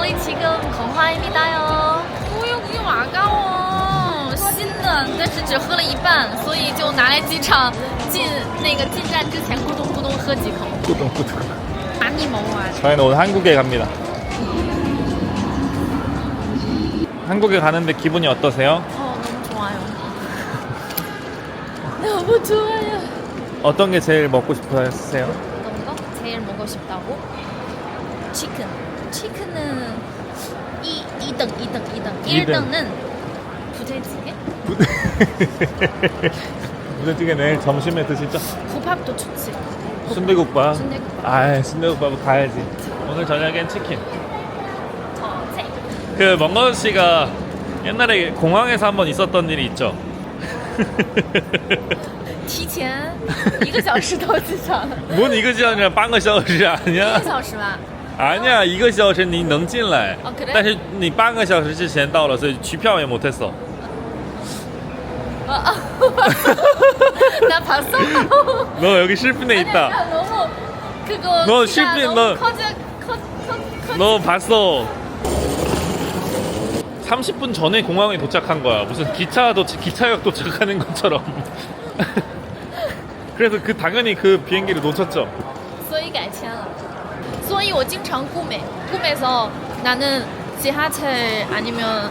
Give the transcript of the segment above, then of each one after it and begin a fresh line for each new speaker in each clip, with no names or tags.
저희 지금 공항입니다요. 우유 아까워. 新的，但是只喝了一半，所以就拿来机场进站之前咕咚咕咚喝几口。
꾸덕꾸덕.
많이 먹어야 돼.
저희는 오늘 한국에 갑니다. 한국에 가는데 기분이 어떠세요?
너무 좋아요. 너무 좋아요.
어떤 게 제일 먹고 싶으세요?
어떤 거? 제일 먹고 싶다고? 치킨. 치킨은 2등. 1등은 부대찌개?
부대찌개 내일 점심에 드시죠?
국밥도 좋지.
순대국밥.
순대국밥.
아, 순대국밥 가야지. 오늘 저녁엔 치킨.
저체.
그 먼거 씨가 옛날에 공항에서 한번 있었던 일이 있죠.
提前1个小时到机场。
뭔 이거지 아니라 半个小时 아니야?
1个小时吧。
아니야, 1个小时你能进来.
아, 그래?
但是你半个小时之前到了,所以取票也못 했어.
나 봤어.
너 여기 실핀에 있다.
아니, 너무 그거.
너
기가
실핀,
너무
너-
커져.
너 봤어. 30분 전에 공항에 도착한 거야. 무슨 기차역 도착하는 것처럼. 그래서 당연히 그 비행기를 놓쳤죠.
所以改签了. 所以我经常꿈에서 나는 지하철 아니면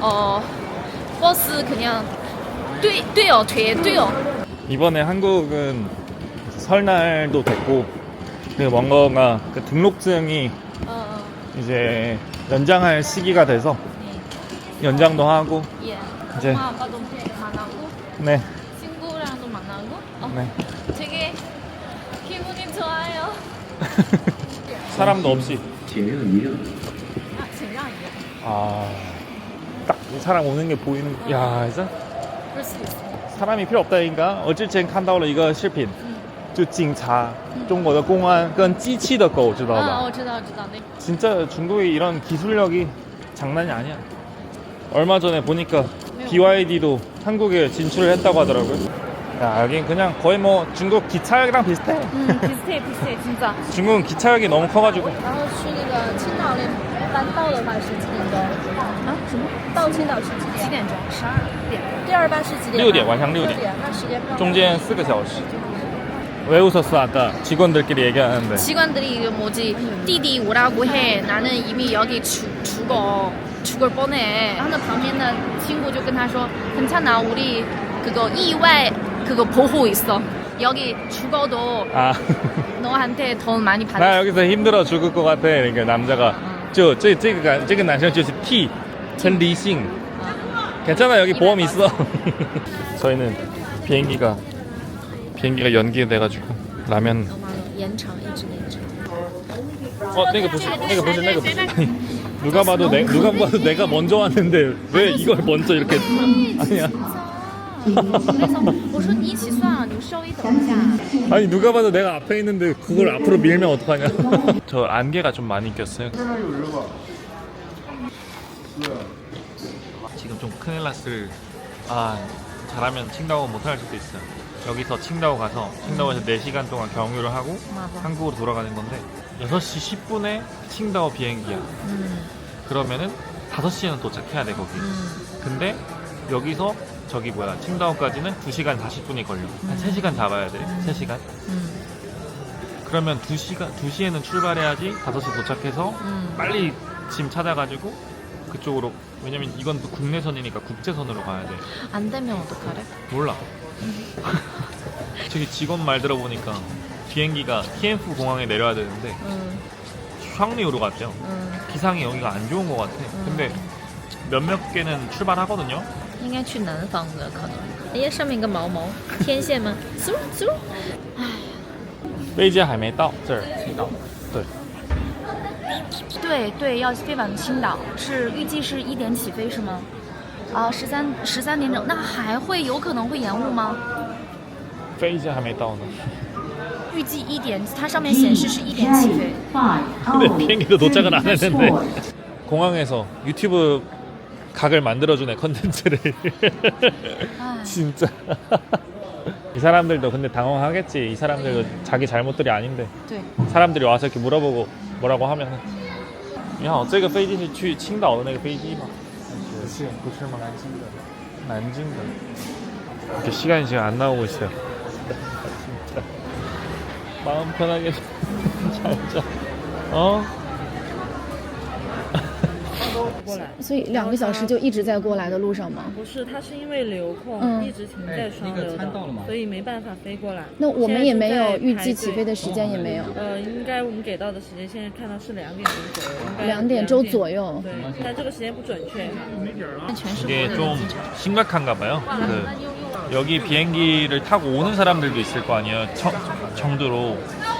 버스 그냥 뛰어.
이번에 한국은 설날도 됐고 그 뭔가가 그 등록증이 이제 연장할 시기가 돼서 연장도 하고
예.
이제-
엄마 아빠도 만나고
네,
친구랑도 만나고.
네.
되게 기분이 좋아요.
사람도 없이
请让一让。
아, 请让一让.
아, 딱 사람 오는 게 보이는. 야, 진짜
그럴 수도 있어.
사람이 필요 없다니까. 我之前看到了一个视频就警察中国的公安跟机器的狗知道吧
아, 我知道. 네.
진짜 중국의 이런 기술력이 장난이 아니야. 얼마 전에 보니까 BYD도 한국에 진출을 했다고 하더라고요. 야, 여긴 그냥 거의 뭐 중국 기차역이랑 비슷해.
비슷해, 진짜.
중국은 기차역이 너무 커가지고.
然后去那个青岛那班到的话是几点钟？
啊，什么？
到青岛是几
几
点？
点钟？12点。
第二班是几点？
6点,晚上6点.
那时间不
중간 4个小时. 왜 웃었어 아까 직원들끼리 얘기하는데?
직원들이 이거 뭐지?弟弟 오라고 해. 나는 이미 여기 죽을 뻔해. 하는 旁边的 친구 就跟他说 괜찮아. 우리 그거 意外 그거 보호 있어. 여기 죽어도
아,
너한테 돈 많이 받을
나 여기서 힘들어 죽을 것 같아. 그러니까 남자가 这个男生就是 T, 很理性. 괜찮아, 여기 보험 있어. 저희는 비행기가 연기돼가지고 라면.
延长一直延长.
那个不是. 누가 봐도 내가 먼저 왔는데 왜 이걸 먼저 이렇게. 아니야.
그래서 我说你一起算了，你稍微等一下.
아니 누가 봐도 내가 앞에 있는데 그걸 앞으로 밀면 어떡하냐. 저 안개가 좀 많이 꼈어요. 지금 좀 큰일 났을. 잘하면 칭다오 못할 수도 있어요. 여기서 칭다오 가서 칭다오에서 4시간 동안 경유를 하고
맞아.
한국으로 돌아가는 건데 6시 10분에 칭다오 비행기야. 그러면은 5시에는 도착해야 돼 거기. 근데 여기서 저기 칭다오까지는 2시간 40분이 걸려. 한 3시간 잡아야 돼. 3시간. 그러면 2시에는 출발해야지 5시 도착해서 빨리 짐 찾아가지고 그쪽으로. 왜냐면 이건 또 국내선이니까 국제선으로 가야 돼.
안 되면 어떡하래?
몰라. 저기 직원 말 들어보니까 비행기가 티엔프 공항에 내려야 되는데 샹리우로 갔죠. 기상이 여기가 안 좋은 것 같아. 근데 몇몇 개는 출발하거든요.
应该去南方的可能。哎，上面一个毛毛天线吗？嗖嗖。
飞机还没到这儿，青岛。对，
对，要飞往青岛，是预计是1点起飞是吗？啊，13点整，那还会有可能会延误吗？
飞机还没到呢。
预计1点，它上面显示是1点起飞。
근데 비행기도 도착은 안 했는데. 공항에서 유튜브 각을 만들어주네 컨텐츠를. 진짜. 이 사람들도 근데 당황하겠지. 이 사람들도 자기 잘못들이 아닌데
네.
사람들이 와서 이렇게 물어보고 뭐라고 하면 你好，这个飞机是去青岛的那个飞机吗？
不是
吗？
南京的。
난징가. 이렇게 시간이 지금 안 나오고 있어요. 마음 편하게 잘 자. 어?
过来。
所以2个小时就一直在过来的路上吗？
不是，它是因为流控、
嗯
一直停在双流
那个餐到了吗
所以没办法飞过来。
那我们也没有预计
现在是在排队
起飞的时间，也没有。
应该我们给到的时间现在看到是2点钟左右，应该
2点钟左右。
对，但这个时间不准确。
全是
이게
国
좀
人的机场。
심각한가 봐요. 여기 비행기를 타고 오는 사람들도 있을 거 아니에요. 청두로.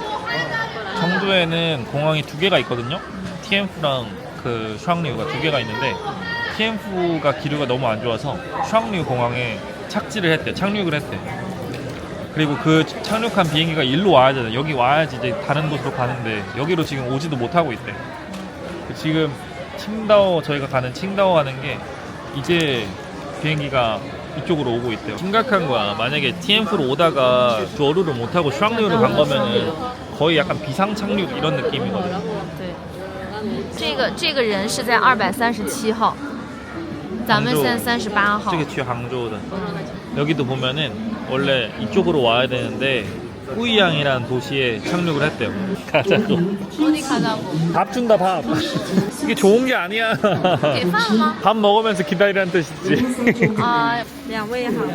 청두에는 공항이 2개가 있거든요. TMF랑 그 슈앙리우가 2개가 있는데 TMF가 기류가 너무 안 좋아서 슈앙리우 공항에 착지를 했대. 착륙을 했대. 그리고 그 착륙한 비행기가 일로 와야 되잖아. 여기 와야지 이제 다른 곳으로 가는데 여기로 지금 오지도 못하고 있대. 지금 칭다오 저희가 가는 칭다오 가는 게 이제 비행기가 이쪽으로 오고 있대요. 심각한 거야. 만약에 TMF로 오다가 저루를 못하고 슈앙리우로 간 거면은 거의 약간 비상착륙 이런 느낌이거든.
对，这个人是在237号，咱们现在38号。
저게 뒤에 항저우다. 여기도 보면은 원래 이쪽으로 와야 되는데 꾸이양이라는 도시에 착륙을 했대요. 가자고.
어디 가자고?
밥 준다 밥. 이게 좋은 게 아니야.
给饭了吗？
밥 먹으면서 기다리라는 뜻이지.
啊、
2位好。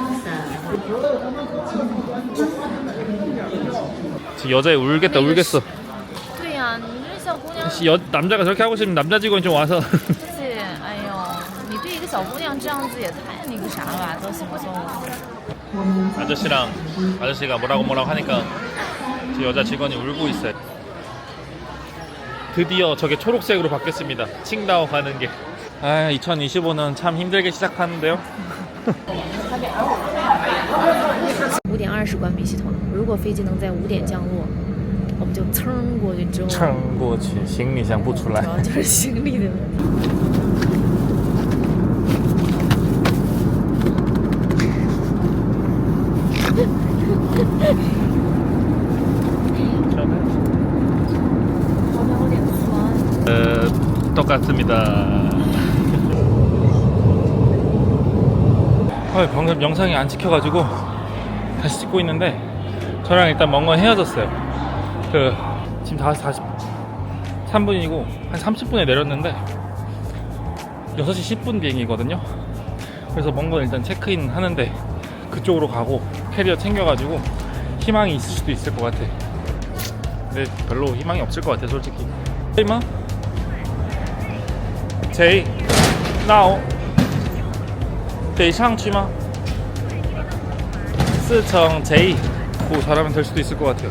지금 여자애 울겠다 울겠어.
对呀、你这小姑娘，
남자가 저렇게 하고 싶으면 남자 직원이 좀 와서.
姐，哎呦，你对一个小姑娘这样子也太那个啥了吧？都行不行？
아저씨가 뭐라고 하니까 저 여자 직원이 울고 있어요. 드디어 저게 초록색으로 바뀌었습니다. 칭다오 가는 게. 아, 2025는 참 힘들게 시작하는데요.
5点20关闭系统，如果飞机能在5点降落，我们就蹭过去之后，
撑过去，行李箱不出来。
主要就是行李的问题。
똑같습니다. 방금 영상이 안 찍혀가지고 다시 찍고 있는데 저랑 일단 멍건 헤어졌어요. 지금 5시 43분이고 한 30분에 내렸는데 6시 10분 비행이거든요. 그래서 멍건 일단 체크인 하는데 그쪽으로 가고 캐리어 챙겨가지고 희망이 있을 수도 있을 것 같아. 근데 별로 희망이 없을 것 같아 솔직히. 이마? 제이, 나오. 得上去吗? 4층 J. 오, 잘하면 될 수도 있을 것 같아요.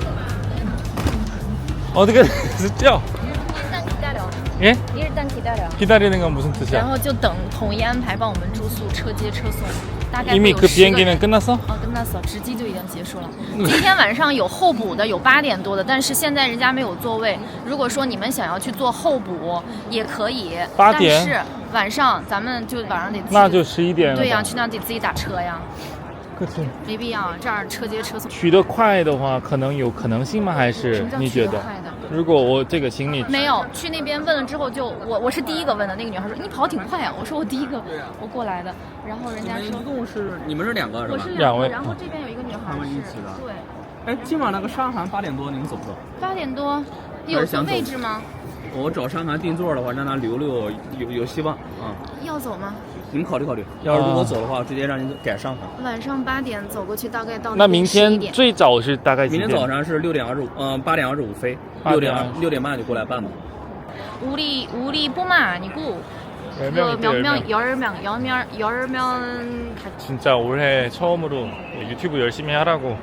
어떻게 됐죠?
일단 기다려.
예?
일단 기다려.
기다리는 건 무슨
然
뜻이야?
后就等统一安排帮我们住宿、车接车送。大概
이미
会有
그
10个
비행기는
人
끝났어?
跟那走，直机就已经结束了。今天晚上有候补的，有8点多的，但是现在人家没有座位。如果说你们想要去做候补，也可以。
8点？
但是晚上咱们就晚上得自己。
那就11点了。
对呀、去那得自己打车呀，
그치.
没必要。这儿车接车送。
取得快的话，可能有可能性吗？还
什
是
么叫
你觉得？
取得快的？
如果我这个行李
没有，去那边问了之后就我是第一个问的，那个女孩说你跑挺快啊，我说我第一个我过来的，然后人家说
共是你们是2个是吧？
我是
两位
然后这边有一个女孩
他们一
是
起的
对，
哎，今晚那个商航8点多，你们走不走？
8点多有坐位置吗？
我找商航订座的话，让他留有希望啊。
要走吗？
你们考虑考虑，要是如果走的话，直接让你改商航。
晚上8点走过去，大概到
那明
11
天
点。
最早是大概几点？
明天早上是6点25，8点25飞，6点半就过来办吧。
우리 뽀마아니고 열명
진짜 올해 처음으로 유튜브 열심히 하라고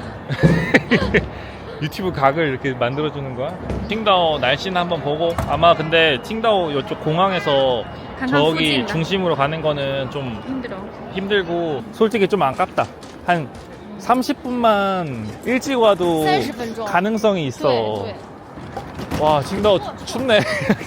유튜브 각을 이렇게 만들어주는 거야? 칭다오 날씨는 한번 보고 아마 근데 칭다오 이쪽 공항에서 저기
후진이다.
중심으로 가는 거는 좀
힘들어.
힘들고 솔직히 좀 아깝다. 한 30분만 일찍 와도
30분 정.
가능성이 있어.
对对。
와 칭다오 춥네.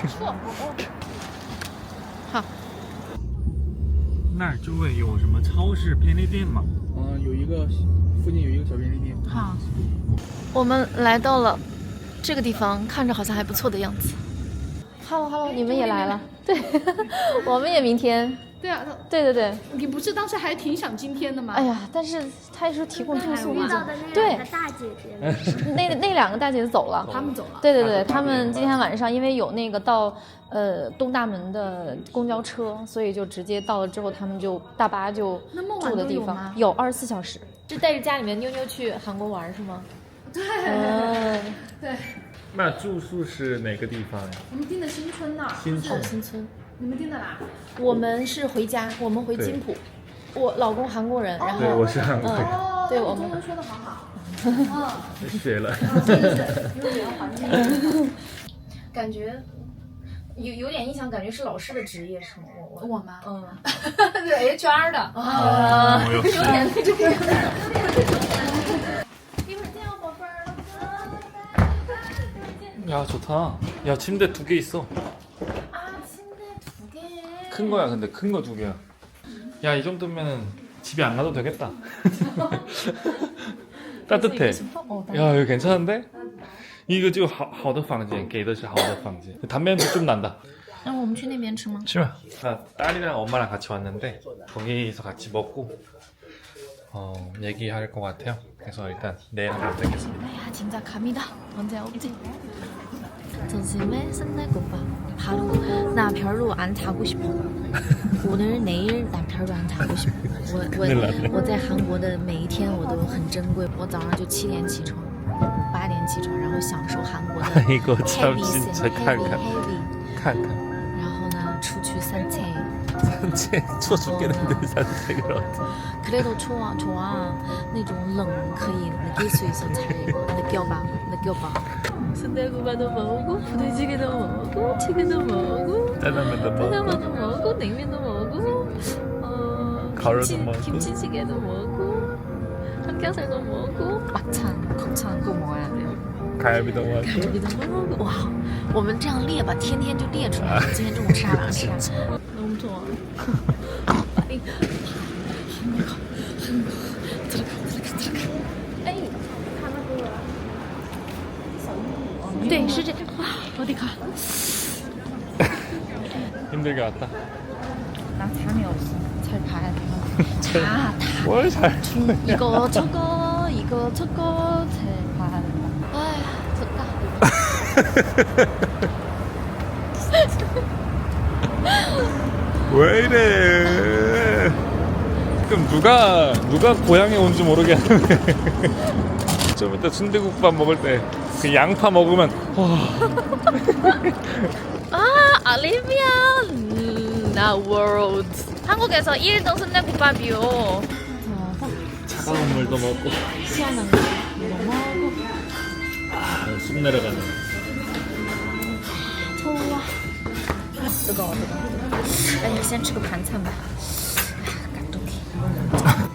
好。
那儿周围有什么超市、便利店吗？
有一个附近有一个小便利店。
好，我们来到了这个地方，看着好像还不错的样子。 Hello，你们也来了，对，我们也明天，
对啊，
对，
你不是当时还挺想今天的吗？
哎呀，但是他说提供住宿，
遇到的那
对
两个大姐姐，
那两个大姐走了，
他们走了。
对，他们今天晚上因为有那个到东大门的公交车，所以就直接到了之后，他们就大巴就
那么晚
住的地方
都有吗
有24小时，是带着家里面妞妞去韩国玩是吗？
对对，
那住宿是哪个地方呀？
我们订的新村呢。
新村。
新村，
你们订的哪？
我们是回家，我们回金浦，我老公韩国人，然后
对，我是韩国人，
哦，
对我们
中文说的好好。
学了。
因为你要还钱。
感觉有点印象，感觉是老师的职业是吗？
我吗？
对 HR 的
哦，有
有点那种。
야 좋다. 야 침대 2개 있어. 큰 거야 근데 큰 거 2개야. 야 이 정도면은 집에 안 가도 되겠다. 따뜻해. 야 여기 괜찮은데? 이거 지금 好的房间给的是好的房间. 담배 냄새 좀 난다.
那我们去那边吃吗？
싫어. 딸이랑 엄마랑 같이 왔는데 거기서 같이 먹고 얘기할 것 같아요. 그래서 일단 내일 한번 뵙겠습니다.
야 진짜 갑니다. 언제 오지? 점심에 순대국밥. 바로 나 별로 안 자고 싶어. 오늘 내일 나 별로 안 자고 싶어. 我在韩国的每一天我都很珍贵。我早上就7点起床，8点起床，然后享受韩国的
이거 참
heavy
진짜
heavy。
看。
然后呢，出去산책。
산책 추워 죽겠는데 산책을 어떻게
그래도 좋아. 那种冷可以느낄 수 있어 잘 느껴봐. 순대국밥도 먹고 부대찌개도 먹고 튀김도 먹고
짜장면도
짜장면도 먹고 냉면도 먹고
가루도 먹고
김치찌개도 먹고 삼겹살도 먹고 막창 곱창 꼭 먹어야 돼요.
갈비도 먹고
갈비도 먹고 와, 我们这样列吧，天天就列出来。今天中午吃啥，晚上吃啥。너무 좋아. 네, 是这. 와, 어디 가?
힘들게 왔다.
나 잠이 없어. 잘 봐야 돼. 다.
뭘 잘?
이거 저거 잘 봐야 된다. 아휴, 좋다.
왜 이래? 그럼 누가 고향에 온지 모르게 하네. 좀 이따 순대국밥 먹을 때 그 양파 먹으면
아, 알리비안 나 월드. 한국에서 1등 순대국밥이요.
차가운 물도 먹고
시원한 거 먹고.
쑥 내려가는.
좋아. 뜨거워. 아니, 先吃个盘菜吧. 감독해.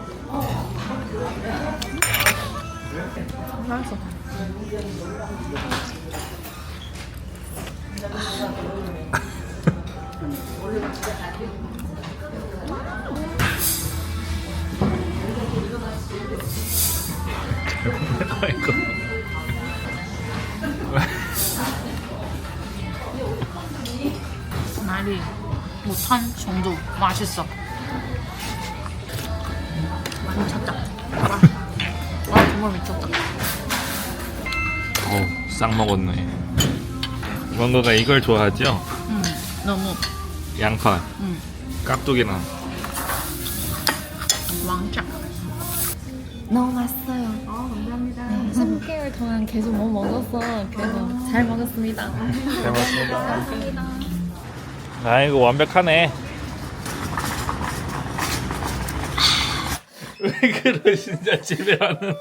맛있어.
아이고.
말이 못한 정도 맛있어. 미쳤다. 와, 정말 미쳤다.
싹 먹었네. 원더가 이걸 좋아하죠?
너무
양파, 깍두기랑.
왕짱. 너무 맛있어요. 감사합니다. 네, 3개월 동안 계속 못 먹었어. 그래도 잘 먹었습니다.
잘 먹었습니다. 아이고 완벽하네. 왜 그러시냐 집에 와는.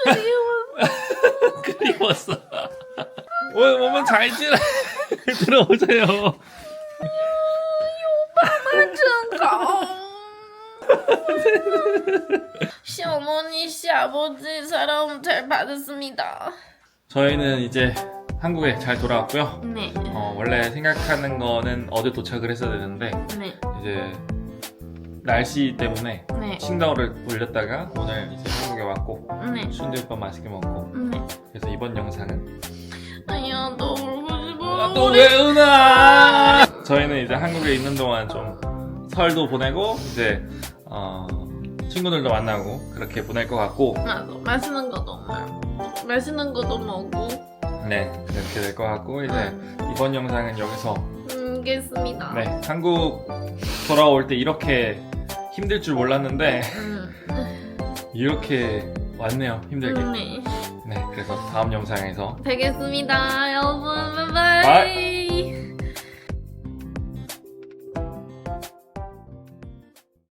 그리웠어. 오면 잘 지내. 들어오세요.
오빠만 좀 시어머니, 시아버지 사랑 잘 받았습니다.
저희는 이제 한국에 잘 돌아왔고요.
네.
원래 생각하는 거는 어제 도착을 했어야 되는데
네.
이제 날씨 때문에
네.
칭다오를 돌렸다가 오늘 이제 한국에 왔고
네.
순대국밥 맛있게 먹고
네.
그래서 이번 영상은
아니야, 너 울고 싶어.
또 왜 우나? 저희는 이제 한국에 있는 동안 좀 설도 보내고 이제 친구들도 만나고 그렇게 보낼 것 같고
맞아. 맛있는 것도 먹고 맛있는 것도 먹고
네 그렇게 될 것 같고 이제 이번 영상은 여기서
알겠습니다.
네 한국 돌아올 때 이렇게 힘들 줄 몰랐는데 이렇게 왔네요 힘들게.
네.
네 그래서 다음 영상에서
뵙겠습니다. 여러분 바이바이.
바이.